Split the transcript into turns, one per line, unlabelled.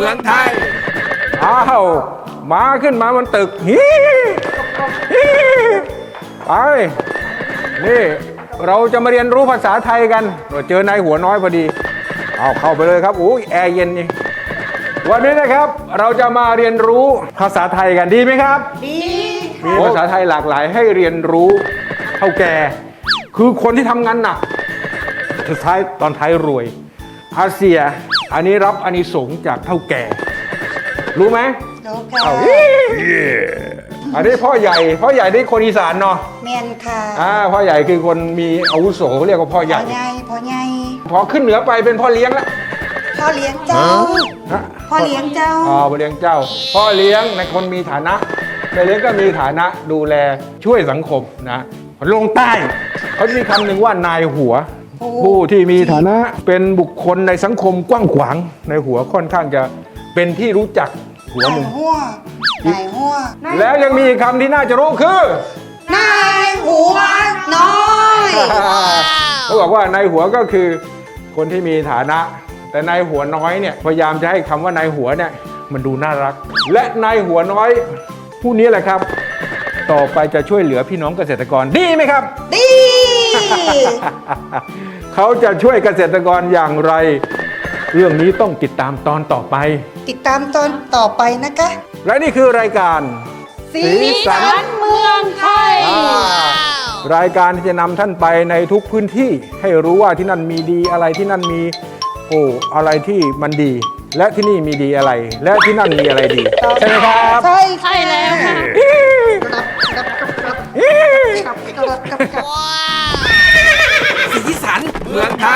มืองไทย
อ้าวมาขึ้นมาบนตึกไปนี่เราจะมาเรียนรู้ภาษาไทยกันเจอนายหัวน้อยพอดีเอาเข้าไปเลยครับอุ้ยแอร์เย็นนี่วันนี้นะครับเราจะมาเรียนรู้ภาษาไทยกันดีไหมครับดีมีภาษาไทยหลากหลายให้เรียนรู้เท่าแก่คือคนที่ทำงานหนักสุดท้ายตอนท้ายรวยอาเซียอันนี้รับอานิสงส์จากเท่าแก่รู้ไหม
รู้ค่ะ
อันนี้พ่อใหญ่นี่คนอีสานเนาะ
เมียนค่ะ
พ่อใหญ่คือคนมีอาวุโสเขาเรียกว่าพ่อใหญ่
พ่อใหญ่
พอขึ้นเหนือไปเป็นพ่อเลี้ยงแล้ว
พ่อเลี้ยงเจ้าพ่อเลี้ยงเจ้า
พ่อเลี้ยงเจ้าพ่อเลี้ยงในคนมีฐานะแม่เลี้ยงก็มีฐานะดูแลช่วยสังคมนะลงใต้เขาจะมีคำหนึ่งว่านายหัวผู้ที่มีฐานะเป็นบุคคลในสังคมกว้างขวางในหัวค่อนข้างจะเป็นที่รู้จักหัวหนึ่ง
นายหัว
แล้วยังมีคำที่น่าจะรู้คือน
ายหัวน้อย
เขาบอกว่านายหัวก็คือคนที่มีฐานะแต่นายหัวน้อยเนี่ยพยายามจะให้คำว่านายหัวเนี่ยมันดูน่ารักและนายหัวน้อยผู้นี้แหละครับต่อไปจะช่วยเหลือพี่น้องเกษตรกรดีไหมครับ
ดี
เขาจะช่วยเกษตรกรอย่างไรเรื่องนี้ต้องติดตามตอนต่อไป
ติดตามตอนต่อไปนะคะ
และนี่คือรายการ
สีสันเมืองไทย
รายการที่จะนำท่านไปในทุกพื้นที่ให้รู้ว่าที่นั่นมีดีอะไรที่นั่นมีอะไรที่มันดีและที่นี่มีดีอะไรและที่นั่นมีอะไรดีใช่ไหมครับ
ใช่แล้วค่ะ
สีสันเมืองไท